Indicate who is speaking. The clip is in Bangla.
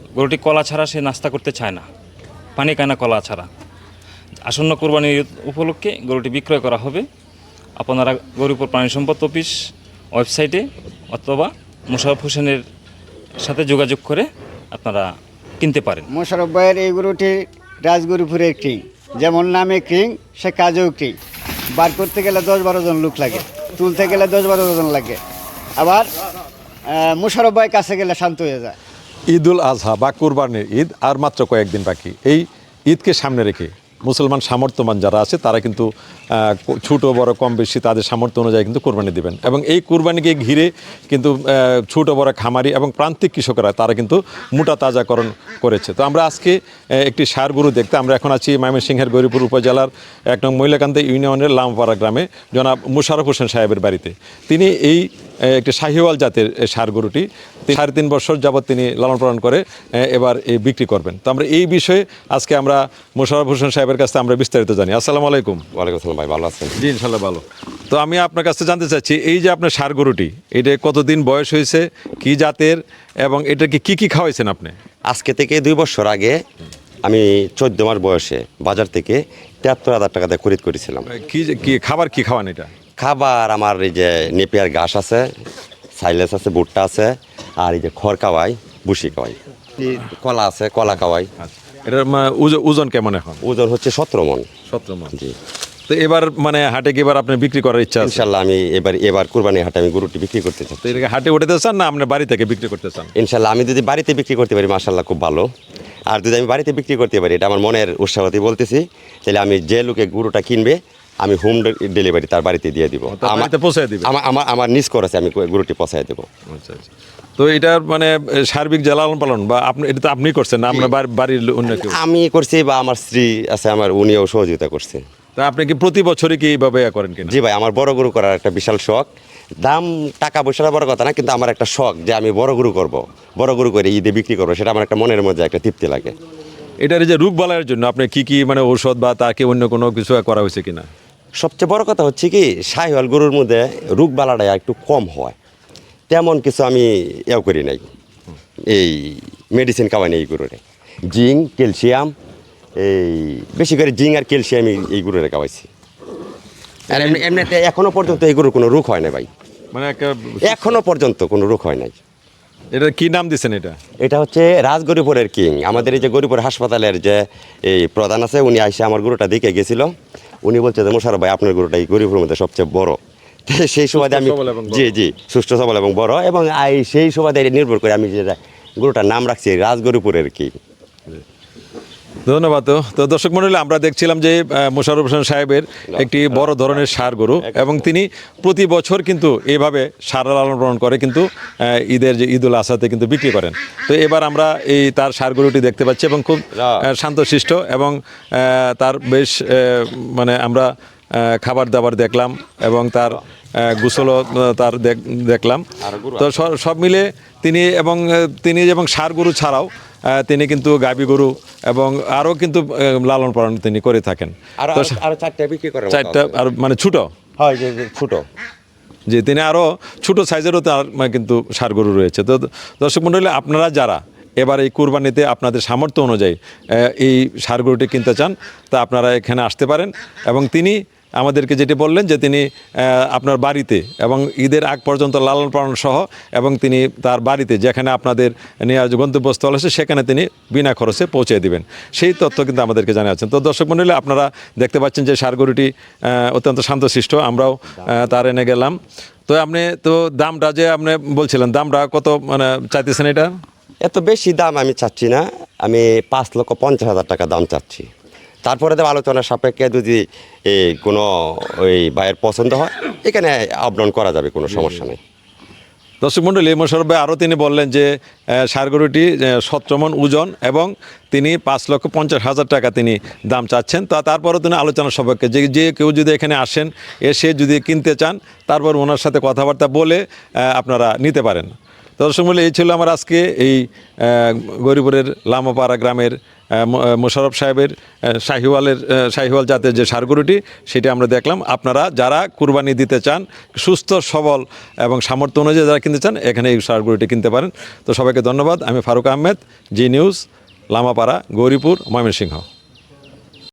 Speaker 1: গরুটি কলা ছাড়া সে নাস্তা করতে চায় না, পানি খায় না কলা ছাড়া। আসন্ন কোরবানির ঈদ উপলক্ষে গরুটি বিক্রয় করা হবে। আপনারা গরুপুর প্রাণী সম্পদ অফিস ওয়েবসাইটে অথবা মোশাররফ হোসেনের সাথে যোগাযোগ করে আপনারা কিনতে পারেন।
Speaker 2: মোশাররফ ভাইয়ের এই গরুটি রাজগরুপুরের কিং, যেমন নামে কিং সে কাজেও কিং। বার করতে গেলে 10-12 জন লোক লাগে, তুলতে গেলে 10-12 জন লাগে। আবার মোশাররফ ভাই কাছে গেলে শান্ত হয়ে যায়।
Speaker 3: ঈদুল আজহা বা কুরবানির ঈদ আর মাত্র কয়েকদিন বাকি। এই ঈদকে সামনে রেখে মুসলমান সামর্থ্যবান যারা আছে তারা কিন্তু ছোটো বড় কম বেশি তাদের সামর্থ্য অনুযায়ী কিন্তু কোরবানি দেবেন, এবং এই কোরবানিকে ঘিরে কিন্তু ছোটো বড় খামারি এবং প্রান্তিক কৃষকরা তারা কিন্তু মোটা তাজাকরণ করেছে। তো আমরা আজকে একটি ষাঁড় গরু দেখতে আমরা এখন আছি ময়মনসিংহের গৌরীপুর উপজেলার 1 নং মহিলাকান্দি ইউনিয়নের লামপাড়া গ্রামে জনাব মোশাররফ হোসেন সাহেবের বাড়িতে। তিনি এই একটি শাহিওয়াল জাতের ষাঁড় গরুটি 3.5 বছর যাবৎ তিনি লালন পালন করে এবার এই বিক্রি করবেন। তো আমরা এই বিষয়ে আজকে আমরা মোশাররফ হোসেন সাহেবের কাছে আমরা বিস্তারিত জানি। আসসালামু আলাইকুম।
Speaker 4: ওয়ালাইকুম আসসালাম ভাই, ভালো আছেন?
Speaker 3: জি ইনশাল্লাহ ভালো। তো আমি আপনার কাছে জানতে চাচ্ছি, এই যে আপনার ষাঁড় গরুটি, এটা কতদিন বয়স হয়েছে, কি জাতের, এবং এটাকে কি খাওয়াইছেন আপনি?
Speaker 4: আজকে থেকে 2 বছর আগে আমি 14 মাস বয়সে বাজার থেকে 73,000 টাকা দিয়ে খরিদ করেছিলাম।
Speaker 3: কি খাবার কি খাওয়ান এটা?
Speaker 4: খাবার আমার এই যে নেপিয়ার ঘাস আছে, সাইলেস আছে, ভুট্টা আছে, আর এই যে খড় খাওয়াই, ভুসি খাওয়াই, কলা আছে, কলা খাওয়াই।
Speaker 3: এটার ওজন কেমন এখন?
Speaker 4: ওজন হচ্ছে 17 মন।
Speaker 3: 17 মন।
Speaker 4: জি।
Speaker 3: তো এবার হাটে কি এবার আপনি বিক্রি করার ইচ্ছা আছে?
Speaker 4: ইনশাল্লাহ আমি এবার কুরবানি হাটে আমি গরুটি বিক্রি করতে চাই।
Speaker 3: তো এটাকে হাটে উঠাতে চান না আপনি বাড়ি থেকে বিক্রি করতে চান?
Speaker 4: ইনশাল্লাহ আমি যদি বাড়িতে বিক্রি করতে পারি মাশাল্লাহ খুব ভালো। আর যদি আমি বাড়িতে বিক্রি করতে পারি, এটা আমার মনের উৎসাহতে বলতেছি, তাহলে আমি যে লোকে গরুটা কিনবে আমি হোম ডেলিভারি তার বাড়িতে দিয়ে দিব। আমার নিজ করেছে, আমি গরুটি পৌঁছায় দেবো।
Speaker 3: আচ্ছা আচ্ছা। তো এটার সার্বিক যে লালন পালন বা আপনি এটা তো আপনি করছেন না, আপনার বাড়ির অন্য কেউ?
Speaker 4: আমি করছি বা আমার স্ত্রী আছে, আমার উনিও সহযোগিতা করছে।
Speaker 3: তা আপনি কি প্রতি বছরই কি এইভাবে করেন কিনা?
Speaker 4: জি ভাই, আমার বড় গরু করার একটা বিশাল শখ। দাম টাকা পয়সাটা বড় কথা না, কিন্তু আমার একটা শখ যে আমি বড় গরু করব, বড় গরু করে ঈদে বিক্রি করবো, সেটা আমার একটা মনের মধ্যে একটা তৃপ্তি লাগে।
Speaker 3: এটার যে রোগ বালাইয়ের জন্য আপনি কি ঔষধ বা তাকে অন্য কোনো কিছু করা হয়েছে কিনা?
Speaker 4: সবচেয়ে বড় কথা হচ্ছে কি, শাহিওয়াল গরুর মধ্যে রোগ বালাটা একটু কম হয়, তেমন কিছু আমি করি নাই। এই মেডিসিন খাওয়াই এই গরুরে, জিঙ্ক, ক্যালসিয়াম, এই বেশি করে জিঙ্ক আর ক্যালসিয়াম এই গরুরে খাওয়াইছি। আর এমনিতে এখনো পর্যন্ত এই গরুর কোনো রোগ হয় না ভাই, এখনো পর্যন্ত কোনো রোগ হয় নাই।
Speaker 3: এটা কি নাম দিচ্ছেন?
Speaker 4: এটা হচ্ছে রাজগরিপুরের কিং। আমাদের এই যে গরিপুর হাসপাতালের যে এই প্রধান আছে, উনি আইসে আমার গরুটা দেখে গেছিল। উনি বলছে যে মোশাররফ ভাই আপনার গরুটা এই গরিপুরের মধ্যে সবচেয়ে বড়। সেই সময় আমি জি সুস্থ সবল এবং বড়, এবং সেই সময় নির্ভর করে আমি যেটা গরুটার নাম রাখছি রাজগরিপুরের কিং।
Speaker 3: ধন্যবাদ। তো দর্শক মণ্ডলী, আমরা দেখছিলাম যে মোশাররফ হোসেন সাহেবের একটি বড় ধরনের ষাঁড় গরু, এবং তিনি প্রতি বছর কিন্তু এইভাবে ষাঁড় লালন পালন করে কিন্তু ঈদের যে ঈদুল আজহাতে কিন্তু বিক্রি করেন। তো এবার আমরা এই তার ষাঁড় গরুটি দেখতে পাচ্ছি, এবং খুব শান্তশিষ্ট, এবং তার বেশ আমরা খাবার দাবার দেখলাম, এবং তার গোসলও তার দেখলাম। তো সব মিলে তিনি এবং ষাঁড় গরু ছাড়াও তিনি কিন্তু গাভী গরু এবং আরও কিন্তু লালন পালন তিনি করে থাকেন। চারটা আর ছোট
Speaker 4: হয় যে ছোট,
Speaker 3: যে তিনি আরও ছোটো সাইজেরও তার কিন্তু ষাঁড় গরু রয়েছে। তো দর্শক মণ্ডলী, আপনারা যারা এবার এই কুরবানিতে আপনাদের সামর্থ্য অনুযায়ী এই ষাঁড় গরুটি কিনতে চান, তা আপনারা এখানে আসতে পারেন। এবং তিনি আমাদেরকে যেটি বললেন যে তিনি আপনার বাড়িতে এবং ঈদের আগ পর্যন্ত লালন পালন সহ, এবং তিনি তার বাড়িতে যেখানে আপনাদের নেওয়ার গন্তব্যস্থল আছে সেখানে তিনি বিনা খরচে পৌঁছে দিবেন, সেই তথ্য কিন্তু আমাদেরকে জানাচ্ছেন। তো দর্শক মণ্ডলী, আপনারা দেখতে পাচ্ছেন যে ষাঁড় গরুটি অত্যন্ত শান্তশিষ্ট। আমরাও তার এনে গেলাম। তো আপনি তো দামটা যে আপনি বলছিলেন, দামটা কত চাইতেছেন? এটা
Speaker 4: এত বেশি দাম আমি চাচ্ছি না, আমি 5,50,000 টাকা দাম চাচ্ছি। তারপরে তো আলোচনার সাপেক্ষে যদি কোনো ওই ভাইয়ের পছন্দ হয়, এখানে আপডাউন করা যাবে, কোনো সমস্যা নেই।
Speaker 3: দর্শক মণ্ডলী, মোশাররফ ভাই আরও তিনি বললেন যে ষাঁড় গরুটি 17 মণ ওজন, এবং তিনি 5,50,000 টাকা তিনি দাম চাচ্ছেন। তারপরও তিনি আলোচনা সাপেক্ষে যে কেউ যদি এখানে আসেন, এসে যদি কিনতে চান, তারপর ওনার সাথে কথাবার্তা বলে আপনারা নিতে পারেন। তো দর্শক মূল্য এই ছিল আমার আজকে এই গৌরীপুরের লামাপাড়া গ্রামের মোশাররফ সাহেবের শাহিওয়াল জাতের যে ষাঁড় গরুটি সেটি আমরা দেখলাম। আপনারা যারা কুরবানি দিতে চান, সুস্থ সবল এবং সামর্থ্য অনুযায়ী যারা কিনতে চান, এখানে এই ষাঁড় গরুটি কিনতে পারেন। তো সবাইকে ধন্যবাদ। আমি ফারুক আহমেদ, জি নিউজ, লামাপাড়া, গৌরীপুর, ময়মনসিংহ।